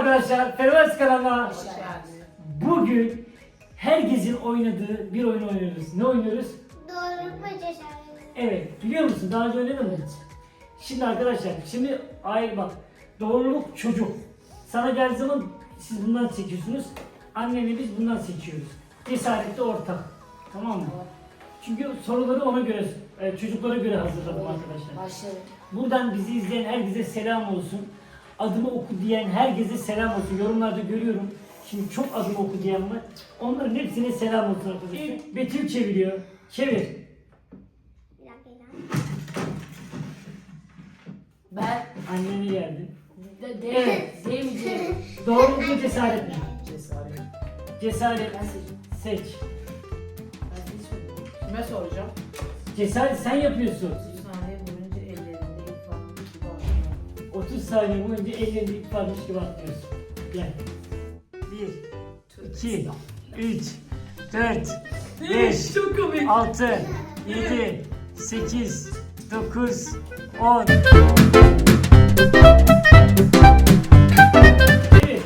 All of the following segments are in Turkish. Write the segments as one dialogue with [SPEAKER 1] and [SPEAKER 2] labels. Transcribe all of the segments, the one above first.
[SPEAKER 1] arkadaşlar, Fervers kanalına.
[SPEAKER 2] Hoş geldin.
[SPEAKER 1] Bugün herkesin oynadığı bir oyun oynuyoruz. Ne oynuyoruz?
[SPEAKER 3] Doğruluk mu cesaret?
[SPEAKER 1] Evet, biliyor musun? Daha önce oynadın mı? Şimdi arkadaşlar, bak, doğruluk çocuk. Sana geldiği zaman siz bundan seçiyorsunuz. Anneni biz bundan seçiyoruz. Cesaret de ortak. Tamam mı? Çünkü soruları ona göre, çocuklara göre hazırladım arkadaşlar.
[SPEAKER 2] Başlayalım.
[SPEAKER 1] Buradan bizi izleyen herkese selam olsun. Adımı oku diyen herkese selam olsun. Yorumlarda görüyorum. Şimdi çok adımı oku diyen var. Onların hepsine selam olsun arkadaşlar. İlk Betül çeviriyor. Çevir.
[SPEAKER 3] Bir dakika.
[SPEAKER 2] Ben
[SPEAKER 1] Annene geldi.
[SPEAKER 2] evet. Demeyeceğim.
[SPEAKER 1] Doğruluk mu cesaret mi?
[SPEAKER 2] Cesaret.
[SPEAKER 1] Cesaret.
[SPEAKER 2] Ben seçeceğim.
[SPEAKER 1] Seç.
[SPEAKER 2] Ben seçmedim.
[SPEAKER 4] Kime soracağım?
[SPEAKER 1] Cesaret sen yapıyorsun.
[SPEAKER 4] 30 saniye boyunca ellerinde ilk varmış gibi atlıyor.
[SPEAKER 1] 30 saniye boyunca ellerinde ip varmış gibi atlıyorsun. Gel. 1, 2, 3, 4, 5,
[SPEAKER 2] Çok komik.
[SPEAKER 1] 6, 7, 8, 9, 10. Evet.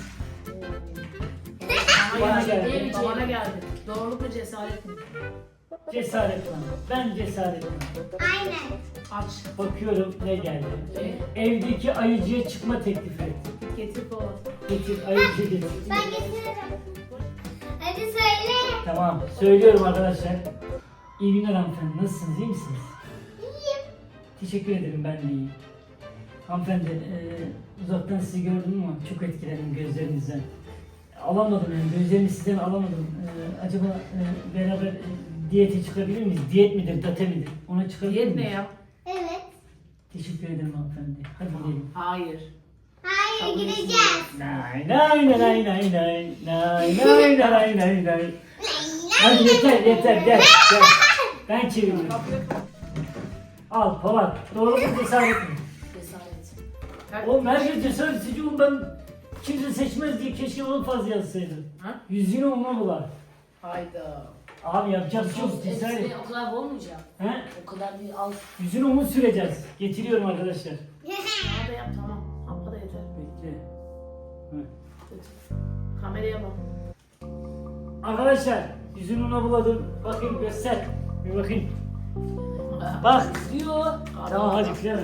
[SPEAKER 1] Bana geldi.
[SPEAKER 4] Bana geldi. Doğruluk mu cesaret mi?
[SPEAKER 1] Cesaret var. Ben cesaret var.
[SPEAKER 3] Aynen.
[SPEAKER 4] Aç.
[SPEAKER 1] Bakıyorum ne geldi. Evdeki ayıcıya çıkma teklifi et.
[SPEAKER 4] Getir kova.
[SPEAKER 1] Getir ayıcı getir.
[SPEAKER 3] Ben getiririm. Hadi söyle.
[SPEAKER 1] Tamam söylüyorum arkadaşlar. İyi günler hanımefendi. Nasılsınız? İyi misiniz?
[SPEAKER 3] İyiyim.
[SPEAKER 1] Teşekkür ederim, ben de iyiyim. Hanımefendi, uzaktan sizi gördüm ama çok etkilendim gözlerinizden. Alamadım yani, gözlerimi sizden alamadım. Acaba beraber diyete çıkabilir miyiz? Diyet midir, date midir? Ona çıkabilir
[SPEAKER 4] Diyet
[SPEAKER 1] miyiz?
[SPEAKER 4] ne ya?
[SPEAKER 3] Evet.
[SPEAKER 1] Teşekkür ederim hanımefendi. Hadi gidelim.
[SPEAKER 4] Hayır.
[SPEAKER 3] Hayır gideceğiz.
[SPEAKER 1] Nay nay nay nay nay nay nay nay nay nay nay. Hadi yeter gel. Ben çeviriyorum. Al Polat. Doğru mu cesaret mi?
[SPEAKER 2] Cesaret.
[SPEAKER 1] Oğlum herkes cesaret seçiyor. Ben kimse seçmez diye keşke onu fazla yazsaydım.
[SPEAKER 4] Ha?
[SPEAKER 1] Yüzünü ona bular.
[SPEAKER 4] Hayda.
[SPEAKER 1] Abi yapacak bir şey yok, cesaret.
[SPEAKER 2] Hepsini o kadar olmayacak.
[SPEAKER 1] He?
[SPEAKER 2] O kadar bir al.
[SPEAKER 1] Yüzünü onu süreceğiz. Getiriyorum arkadaşlar.
[SPEAKER 4] Bana da yap tamam. Abla da yeter.
[SPEAKER 1] Bekle. Hı.
[SPEAKER 4] Kameraya bak.
[SPEAKER 1] Arkadaşlar yüzünü ona buladım. Bakayım göster. Bir bakayım. Bak.
[SPEAKER 2] Diyor.
[SPEAKER 1] Tamam hadi filan.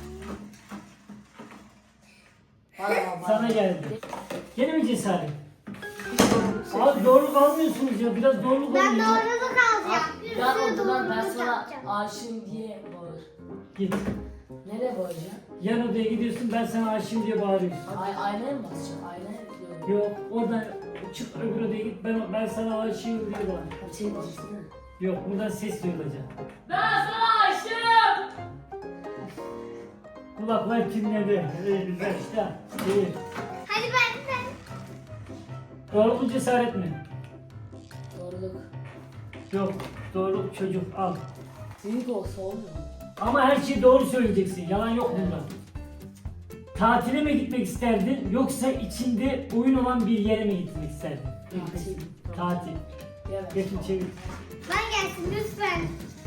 [SPEAKER 1] Sana geldi. Gene mi cesaret? Abi doğruluk almıyorsunuz ya. Biraz doğruluk
[SPEAKER 3] Ben
[SPEAKER 1] alın ya.
[SPEAKER 3] doğruluk alacağım. Bir
[SPEAKER 2] Ben
[SPEAKER 3] sürü
[SPEAKER 2] odadan ben
[SPEAKER 3] doğruluk
[SPEAKER 2] sana
[SPEAKER 3] yapacağım.
[SPEAKER 2] aşığım diye bağır.
[SPEAKER 1] Git.
[SPEAKER 2] Nereye bağıracağım?
[SPEAKER 1] Yan odaya gidiyorsun, ben sana aşığım diye bağırıyorsun.
[SPEAKER 2] Aynaya mı basacağım? Aynaya mı?
[SPEAKER 1] Yok, oradan çık öbür odaya git, ben sana aşığım diye bağır.
[SPEAKER 2] Şey diyeceksin mi?
[SPEAKER 1] Yok, buradan ses duyulacak.
[SPEAKER 2] Ben sana aşığım.
[SPEAKER 1] Kulaklar çınladı. Güzel işte. İyi.
[SPEAKER 3] Hadi ben.
[SPEAKER 1] Doğru mu cesaret mi?
[SPEAKER 2] Doğruluk.
[SPEAKER 1] Yok, doğru çocuk al.
[SPEAKER 2] Büyük olsa olmuyor mu?
[SPEAKER 1] Ama her şeyi doğru söyleyeceksin, yalan yok bunda. Tatile mi gitmek isterdin, yoksa içinde oyun olan bir yere mi gitmek isterdin?
[SPEAKER 2] Tatil.
[SPEAKER 1] Tatil.
[SPEAKER 2] Evet.
[SPEAKER 1] Geçin çevir.
[SPEAKER 3] Ben gelsin lütfen.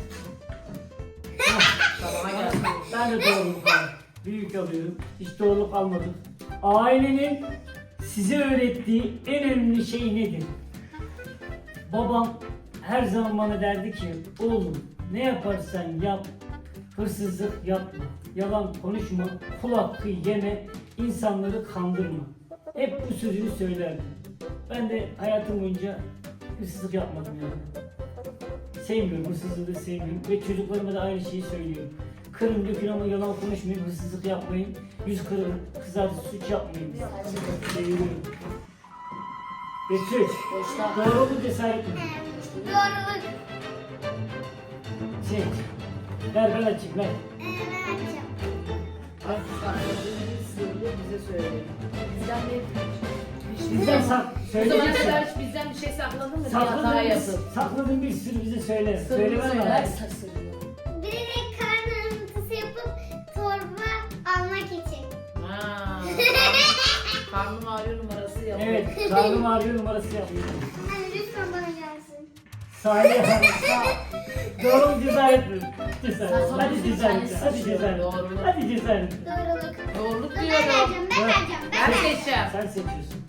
[SPEAKER 4] Bana gelsin.
[SPEAKER 1] Ben de doğruluk aldım. Büyük alıyorum. Hiç doğruluk almadım. Ailenin size öğrettiği en önemli şey nedir? Babam her zaman bana derdi ki, oğlum ne yaparsan yap, hırsızlık yapma, yalan konuşma, kul hakkı yeme, insanları kandırma. Hep bu sözünü söylerdi. Ben de hayatım boyunca hırsızlık yapmadım yani. Sevmiyorum, hırsızlığı sevmiyorum ve çocuklarıma da aynı şeyi söylüyorum. Kırın dökün ama yalan konuşmayın, hırsızlık yapmayın, yüz kırın, kızartı suç yapmayın. Seviyorum. Betül,
[SPEAKER 2] Boşta.
[SPEAKER 1] doğru mu cesaret mi?
[SPEAKER 3] Doğruluk.
[SPEAKER 1] Şey, ver ben açayım ver.
[SPEAKER 3] Ben açacağım.
[SPEAKER 4] Sakladığın bir sırrı bize söyle.
[SPEAKER 2] Bizden bir
[SPEAKER 1] Bizden
[SPEAKER 4] Bu zamana
[SPEAKER 1] söyleyeceksin.
[SPEAKER 4] kadar hiç bizden bir şey sakladın mı? Bir hata yapıp.
[SPEAKER 1] Sakladığın bir sürü bize söyle.
[SPEAKER 4] Sırrını
[SPEAKER 1] Söylemem
[SPEAKER 4] söyler.
[SPEAKER 1] lazım.
[SPEAKER 2] sarsılıyor.
[SPEAKER 3] Birine karın ağrıtısı yapıp torba almak için.
[SPEAKER 4] Ha. Karnım ağrıyor numarası yapıyor.
[SPEAKER 1] Evet, karnım ağrıyor numarası yapıyorum.
[SPEAKER 3] Hani lütfen bana gelsin.
[SPEAKER 1] Salih Hanım. Doğru mu cesaret mi? Cesaret.
[SPEAKER 2] Sen sonra
[SPEAKER 1] Hadi
[SPEAKER 2] bizim
[SPEAKER 1] cesaret.
[SPEAKER 2] kendisi
[SPEAKER 1] Hadi
[SPEAKER 2] seçiyor.
[SPEAKER 1] cesaret.
[SPEAKER 4] Doğruluk.
[SPEAKER 1] Hadi cesaret.
[SPEAKER 3] Doğruluk.
[SPEAKER 4] Doğruluk
[SPEAKER 3] Ben
[SPEAKER 4] diyorum.
[SPEAKER 3] vereceğim, ben vereceğim, ben
[SPEAKER 4] Ben
[SPEAKER 3] vereceğim.
[SPEAKER 4] seçeceğim.
[SPEAKER 1] Sen seçiyorsun.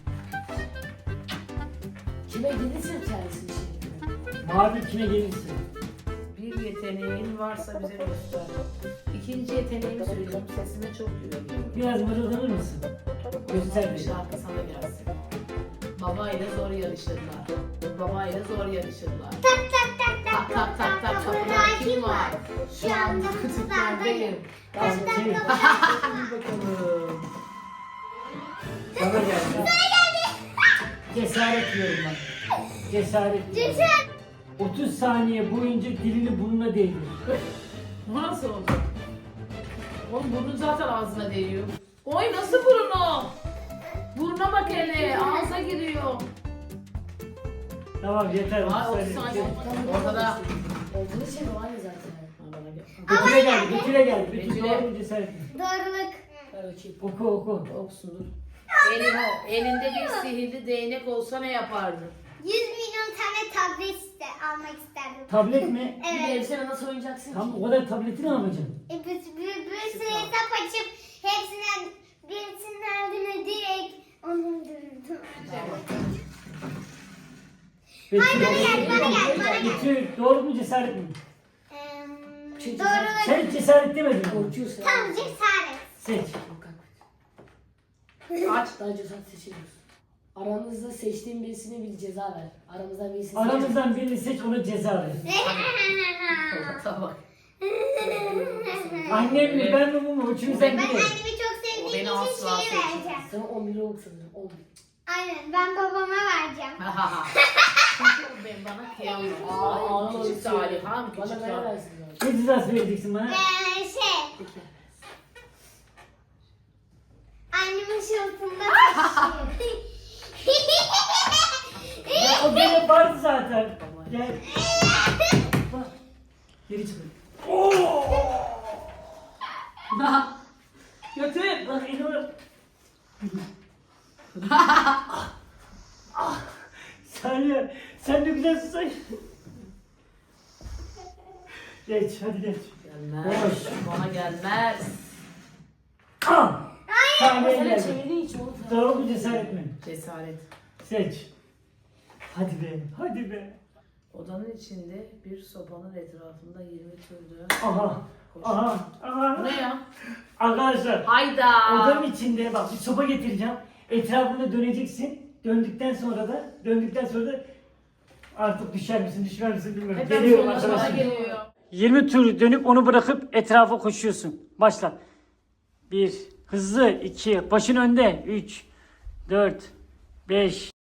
[SPEAKER 2] Kime gelirse kendisi bir şey yapıyor.
[SPEAKER 1] Mavi kime gelirse.
[SPEAKER 4] Bir yeteneğin varsa bize göster. İkinci yeteneğimi söyleyeceğim. Sesime çok güveniyorum.
[SPEAKER 1] Biraz mırıldanır mısın? Göster
[SPEAKER 4] Bir
[SPEAKER 1] bir.
[SPEAKER 4] şarkı sana gelsin. Babayla zor yarışırlar. Babayla zor yarışırlar.
[SPEAKER 3] Tak tak tak tak
[SPEAKER 4] Tak tak tak tak kapıda kim var?
[SPEAKER 3] Şu anda kutulardayım.
[SPEAKER 1] Tamam, şey,
[SPEAKER 4] Bakalım.
[SPEAKER 1] sana geldi. Cesaret diyorum ben. Cesaret diyorum.
[SPEAKER 3] Cesaret.
[SPEAKER 1] 30 saniye boyunca dilini burnuna değdir.
[SPEAKER 4] Bu nasıl olacak? Oğlum burnun zaten ağzına değiyor. Oy nasıl burnu? Burnuna bak hele. Ağza giriyor.
[SPEAKER 1] Tamam yeter.
[SPEAKER 4] Ay 30
[SPEAKER 1] 30
[SPEAKER 4] saniye.
[SPEAKER 1] saniye.
[SPEAKER 4] Ortada.
[SPEAKER 2] Olduğu şey o aynı zaten.
[SPEAKER 4] Ha, bana gel.
[SPEAKER 1] Betül'e geldi. Betül'e geldi. Betül
[SPEAKER 4] Betül'e.
[SPEAKER 1] doğru mu cesaret mi?
[SPEAKER 3] Doğruluk.
[SPEAKER 2] Ver bakayım.
[SPEAKER 1] Oku oku.
[SPEAKER 4] Okusundur. Elinde bir sihirli değnek olsa ne yapardın?
[SPEAKER 3] 100 milyon tane tablet almak isterdim.
[SPEAKER 1] Tablet mi?
[SPEAKER 2] Bir
[SPEAKER 3] Evet.
[SPEAKER 2] elbisene nasıl oynayacaksın
[SPEAKER 1] Tam
[SPEAKER 2] ki?
[SPEAKER 1] o kadar tableti ne yapacaksın?
[SPEAKER 3] Bir sürü hesap açıp hepsinden birisinin ardına direkt onu öldürdüm.
[SPEAKER 1] Betül,
[SPEAKER 3] bana gel.
[SPEAKER 1] Betül doğru mu cesaret mi?
[SPEAKER 3] Doğruluk.
[SPEAKER 1] Sen hiç cesaret demedin mi?
[SPEAKER 2] Korkuyorsun.
[SPEAKER 3] Tam cesaret.
[SPEAKER 1] Seç.
[SPEAKER 4] Aç.
[SPEAKER 2] Daha cesaret seçiyoruz. Aranızda seçtiğin birisine bir ceza ver. Aramızdan birisini
[SPEAKER 1] Aramızdan birini seç ona ceza ver.
[SPEAKER 4] Tamam.
[SPEAKER 1] Annem mi ben mi bu mu? Üçümüzden
[SPEAKER 3] Ben
[SPEAKER 1] biri.
[SPEAKER 3] annemi çok
[SPEAKER 4] O
[SPEAKER 3] sevdiğim
[SPEAKER 4] beni
[SPEAKER 3] için
[SPEAKER 4] asla
[SPEAKER 3] şeyi
[SPEAKER 4] seçmez.
[SPEAKER 3] vereceğim.
[SPEAKER 2] Sana 11 lira sanırım. 11.
[SPEAKER 3] Aynen ben babama vereceğim.
[SPEAKER 4] Çünkü o ben bana kıyamıyor.
[SPEAKER 2] Aa,
[SPEAKER 4] Küçük Salih'am,
[SPEAKER 2] Bana
[SPEAKER 4] küçük
[SPEAKER 2] ne
[SPEAKER 4] Salih.
[SPEAKER 2] versin zaten?
[SPEAKER 1] Ne cezası vereceksin bana?
[SPEAKER 2] Peki.
[SPEAKER 3] Annemin şıltında taşıyor.
[SPEAKER 1] Ya o gene vardı zaten. Gel. Bak. Geri çıkın.
[SPEAKER 4] Götür.
[SPEAKER 1] Bak İnor. Salih sen de güzel susay. Geç hadi geç.
[SPEAKER 4] Gelmez. Bana gelmez.
[SPEAKER 1] Ah! Salih'e
[SPEAKER 2] Sana
[SPEAKER 1] geldi.
[SPEAKER 2] çevirdiği için onu
[SPEAKER 1] Doğru mu cesaret mi?
[SPEAKER 4] Cesaret.
[SPEAKER 1] Seç. Hadi be, hadi be.
[SPEAKER 4] Odanın içinde bir sopanın etrafında 20 türlü.
[SPEAKER 1] Aha, aha,
[SPEAKER 4] Bu
[SPEAKER 1] aha.
[SPEAKER 4] ne ya?
[SPEAKER 1] Arkadaşlar,
[SPEAKER 4] Hayda.
[SPEAKER 1] odanın içinde bak bir sopa getireceğim. Etrafında döneceksin. Döndükten sonra da artık düşer misin, düşmez misin bilmiyorum.
[SPEAKER 4] Hep
[SPEAKER 1] Geliyorum
[SPEAKER 4] bana
[SPEAKER 1] arkadaşlar.
[SPEAKER 4] geliyor.
[SPEAKER 1] 20 tur dönüp onu bırakıp etrafa koşuyorsun. Başla. 1, hızlı, 2, başın önde, 3, 4, 5,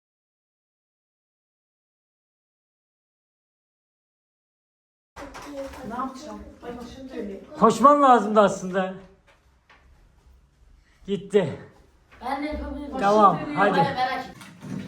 [SPEAKER 4] Ne yapacağım? Ay başım dönüyor.
[SPEAKER 1] koşman lazımdı aslında. Gitti.
[SPEAKER 2] Ben de yapabilirim.
[SPEAKER 1] Tamam,
[SPEAKER 4] dönüyor.
[SPEAKER 1] hadi.
[SPEAKER 2] Hadi merak et.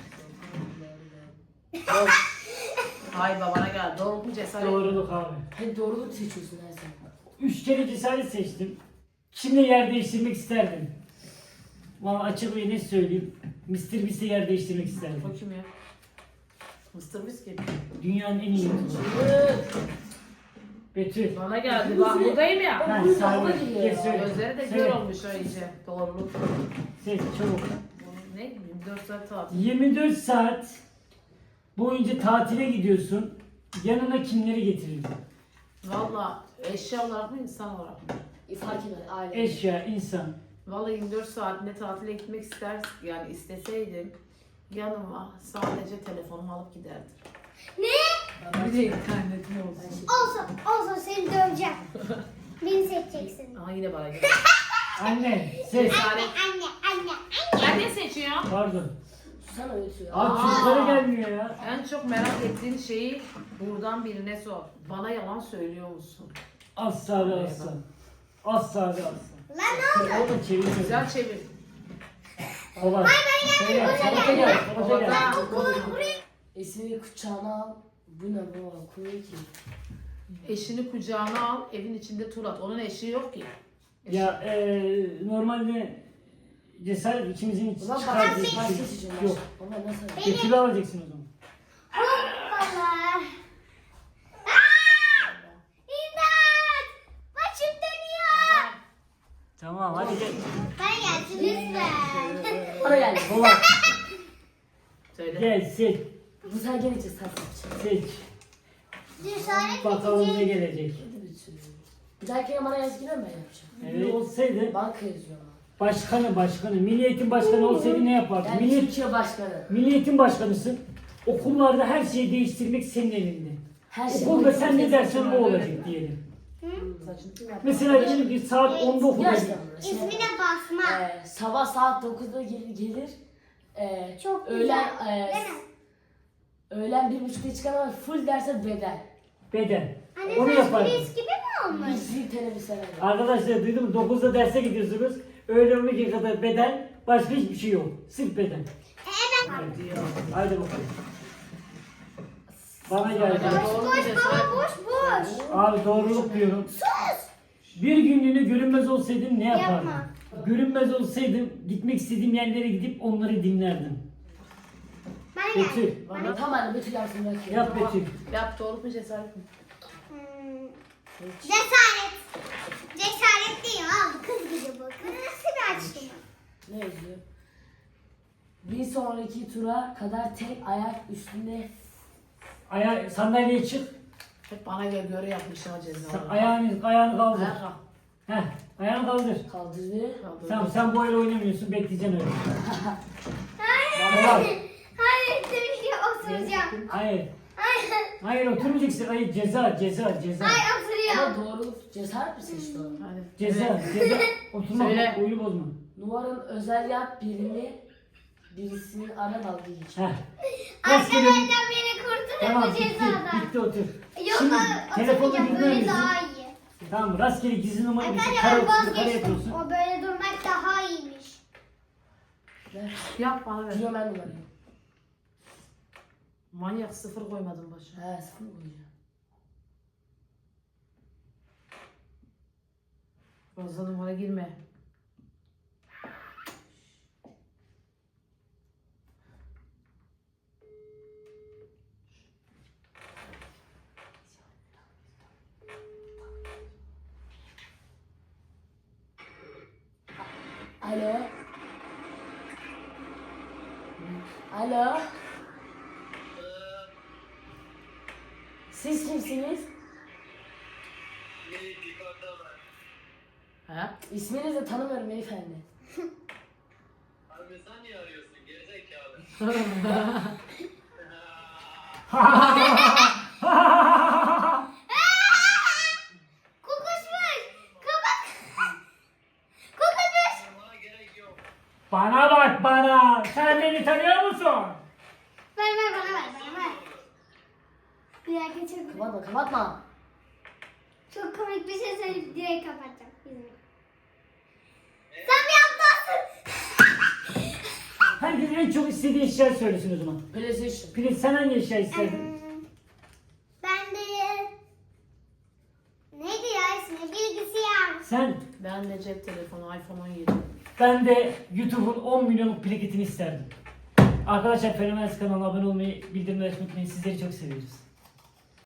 [SPEAKER 4] Hay babana gel. Doğru mu cesaret?
[SPEAKER 1] Doğruluk abi.
[SPEAKER 2] Hadi doğruluk seçiyorsun her zaman.
[SPEAKER 1] 3 kere cesaret seçtim. Kimle yer değiştirmek isterdim? Valla açık ve net söyleyeyim. Mr. Beast'le yer değiştirmek isterdim.
[SPEAKER 4] O kim ya? Mr. Whiskey.
[SPEAKER 1] Dünyanın en iyi YouTuber'ı. Betül.
[SPEAKER 4] Bana geldi. Bak buradayım ya.
[SPEAKER 1] Ben Salih. Geç söyle.
[SPEAKER 4] Gözleri de
[SPEAKER 1] Söyle.
[SPEAKER 4] kör olmuş ha iyice. Doğruluk.
[SPEAKER 1] Seç çabuk.
[SPEAKER 4] Bu ne? 24 saat tatil.
[SPEAKER 1] 24 saat boyunca tatile gidiyorsun. Yanına kimleri getirirdin?
[SPEAKER 4] Valla eşya olarak mı insan olarak mı?
[SPEAKER 2] Fark eder aile.
[SPEAKER 1] Eşya, insan.
[SPEAKER 4] Valla 24 saatinde tatile gitmek yani isteseydim yanıma sadece telefonumu alıp giderdim.
[SPEAKER 3] Ne?
[SPEAKER 4] Bir de internetim olsun.
[SPEAKER 3] Olsun seni döveceğim. Beni seçeceksin.
[SPEAKER 4] Aha yine bana geldi.
[SPEAKER 1] Anne, seç.
[SPEAKER 4] Cesaret.
[SPEAKER 3] Anne.
[SPEAKER 4] Ben ne seçiyorum?
[SPEAKER 1] Pardon.
[SPEAKER 2] Susana ötüyor.
[SPEAKER 1] Abi çocuklara gelmiyor ya.
[SPEAKER 4] En çok merak ettiğin şeyi buradan birine sor. Bana yalan söylüyor musun?
[SPEAKER 1] Asla ve asla. Asla ve asla.
[SPEAKER 3] Lan ne oldu?
[SPEAKER 1] O da çeviriyor.
[SPEAKER 4] Güzel çevir.
[SPEAKER 1] Kolay. Söyle, Samet'e gel. Samet'e gel.
[SPEAKER 2] Esini kucağına al. Bu ne baba? Koyuyor ki.
[SPEAKER 4] Eşini kucağına al, evin içinde tur at. Onun eşi yok ki.
[SPEAKER 1] Ya normalde cesaret ikimizin
[SPEAKER 2] Ulan
[SPEAKER 1] çıkar
[SPEAKER 2] bak
[SPEAKER 1] diye
[SPEAKER 2] başka
[SPEAKER 1] bir şey
[SPEAKER 2] seçeceğim.
[SPEAKER 1] yok.
[SPEAKER 2] Ama nasıl?
[SPEAKER 1] Betül'ü alacaksın o zaman.
[SPEAKER 3] Hoppala.
[SPEAKER 2] bana geldi. Baba.
[SPEAKER 4] Söyle.
[SPEAKER 1] Gel seç.
[SPEAKER 2] Bu sen gelince sen seç.
[SPEAKER 1] Seç.
[SPEAKER 3] Cesaret
[SPEAKER 1] Bakalım ne
[SPEAKER 3] edici.
[SPEAKER 1] gelecek.
[SPEAKER 2] Hadi bir sürü. Bir dahaki bana yazgılar ben yapacağım.
[SPEAKER 1] Evet. Olsaydı
[SPEAKER 2] Banka yazıyor ama.
[SPEAKER 1] başkanı, Milli Eğitim Başkanı olsaydı ne yapardın?
[SPEAKER 2] Yani Türkiye başkanı.
[SPEAKER 1] Milli Eğitim Başkanısın. Okullarda her şeyi değiştirmek senin elinde.
[SPEAKER 2] Her şey.
[SPEAKER 1] Okulda sen ne dersen o olacak diyelim.
[SPEAKER 2] Saçını kim yaptı?
[SPEAKER 1] Mesela diyelim ki saat 10'da okula
[SPEAKER 2] Gerçekten
[SPEAKER 1] git.
[SPEAKER 2] mi?
[SPEAKER 3] İsmine basma.
[SPEAKER 2] Sabah saat 9'da gelir.
[SPEAKER 3] Çok
[SPEAKER 2] öğlen,
[SPEAKER 3] güzel. Değil mi?
[SPEAKER 2] öğlen 1.30'da çıkan ama full derse beden.
[SPEAKER 1] Beden.
[SPEAKER 3] Anne
[SPEAKER 1] Onu
[SPEAKER 3] saç
[SPEAKER 1] yapardın.
[SPEAKER 3] polis gibi mi olmuş?
[SPEAKER 2] Bir teneffüs herhalde.
[SPEAKER 1] Arkadaşlar duydun mu? 9'da derse gidiyorsunuz. Öğlen 12'ye kadar beden. Başka hiçbir şey yok. Sırf beden.
[SPEAKER 3] Evet.
[SPEAKER 4] Diyor.
[SPEAKER 1] Haydi bakalım. Bana geldi.
[SPEAKER 4] Doğru
[SPEAKER 3] Boş
[SPEAKER 4] bir
[SPEAKER 3] baba
[SPEAKER 4] cesaret.
[SPEAKER 3] boş boş.
[SPEAKER 1] Abi doğruluk diyorum.
[SPEAKER 3] Sus.
[SPEAKER 1] Bir günlüğüne görünmez olsaydın ne yapardın?
[SPEAKER 3] Yapma.
[SPEAKER 1] Görünmez olsaydın gitmek istediğim yerlere gidip onları dinlerdim.
[SPEAKER 3] Ben gel.
[SPEAKER 1] Betül.
[SPEAKER 2] Bana tam anne Betül yapsın bakayım.
[SPEAKER 1] Yap Betül.
[SPEAKER 4] Yap doğru mu cesaret mi?
[SPEAKER 3] Cesaret. Cesaret değil abi. Kız gibi bu. Kız nasıl bir açtı
[SPEAKER 2] Ne yazıyor? Bir sonraki tura kadar tek ayak üstünde
[SPEAKER 1] Sandalyeye çık.
[SPEAKER 4] Hep bana göre yapmış ha cezaları.
[SPEAKER 1] Ayağını kaldır.
[SPEAKER 4] Ayak al.
[SPEAKER 1] Heh, ayağını kaldır.
[SPEAKER 2] kaldırdı.
[SPEAKER 4] Kaldır.
[SPEAKER 1] Tamam sen bu el oynamıyorsun. Bekleyeceksin öyle.
[SPEAKER 3] Hayır.
[SPEAKER 1] Hayır.
[SPEAKER 3] Hayır. Türkiye oturacağım.
[SPEAKER 1] Hayır.
[SPEAKER 3] Hayır.
[SPEAKER 1] Hayır oturmayacaksın. Hayır ceza.
[SPEAKER 3] Hayır
[SPEAKER 2] Ama
[SPEAKER 3] oturuyorum.
[SPEAKER 2] doğruluk cesaret mi seçti o?
[SPEAKER 4] Hadi.
[SPEAKER 1] Ceza. Oturma.
[SPEAKER 4] Söyle.
[SPEAKER 1] Oyunu bozma.
[SPEAKER 2] Numaranın özel yap birisinin ara dalga geçiyor.
[SPEAKER 1] Heh. Rastgele.
[SPEAKER 3] Arkadaşlar beni kurtarın
[SPEAKER 1] Tamam
[SPEAKER 3] bu
[SPEAKER 1] bitti.
[SPEAKER 3] cezadan.
[SPEAKER 1] Bitti otur.
[SPEAKER 3] Yok
[SPEAKER 1] Şimdi telefonu
[SPEAKER 3] oturmayacağım.
[SPEAKER 1] bilmiyor
[SPEAKER 3] Böyle
[SPEAKER 1] musun?
[SPEAKER 3] daha iyi.
[SPEAKER 1] Tamam rastgele gizli numara için
[SPEAKER 3] Efendim
[SPEAKER 1] kare
[SPEAKER 3] ben
[SPEAKER 1] yukarı
[SPEAKER 3] vazgeçtim.
[SPEAKER 1] yapıyorsun.
[SPEAKER 3] O böyle durmak daha iyiymiş.
[SPEAKER 2] Ver.
[SPEAKER 4] Yap bana ver.
[SPEAKER 2] Diyor ben numarayı.
[SPEAKER 4] Manyak sıfır koymadın başına.
[SPEAKER 2] He sıfır koyacağım.
[SPEAKER 4] Fazla numara girme.
[SPEAKER 2] Alo. Alo. Siz kimsiniz?
[SPEAKER 4] Ha?
[SPEAKER 2] İsminizi tanımıyorum beyefendi.
[SPEAKER 5] Abi sen niye arıyorsun gerizekalı?
[SPEAKER 3] Kokuşmuş. Kapat. Kokuşmuş.
[SPEAKER 5] Bana gerek yok.
[SPEAKER 1] Bana bak bana. Sen beni tanıyor musun?
[SPEAKER 3] Ver bana ver. Bir dakika çok,
[SPEAKER 2] Kapatma.
[SPEAKER 3] çok komik bir şey söyleyip direkt kapatacağım. İzin. Sen mi yaptın?
[SPEAKER 1] Herkes en çok istediği eşya söylesin o zaman.
[SPEAKER 2] PlayStation.
[SPEAKER 1] Filiz sen hangi eşya isterdin?
[SPEAKER 3] Ben de neydi ya ismi? Bilgisayar.
[SPEAKER 1] Sen?
[SPEAKER 4] Ben de cep telefonu iPhone 17.
[SPEAKER 1] Ben de YouTube'un 10 milyonluk plaketini isterdim. Arkadaşlar Fenomenaz kanalına abone olmayı, bildirimleri açmayı unutmayın. Sizleri çok seviyoruz.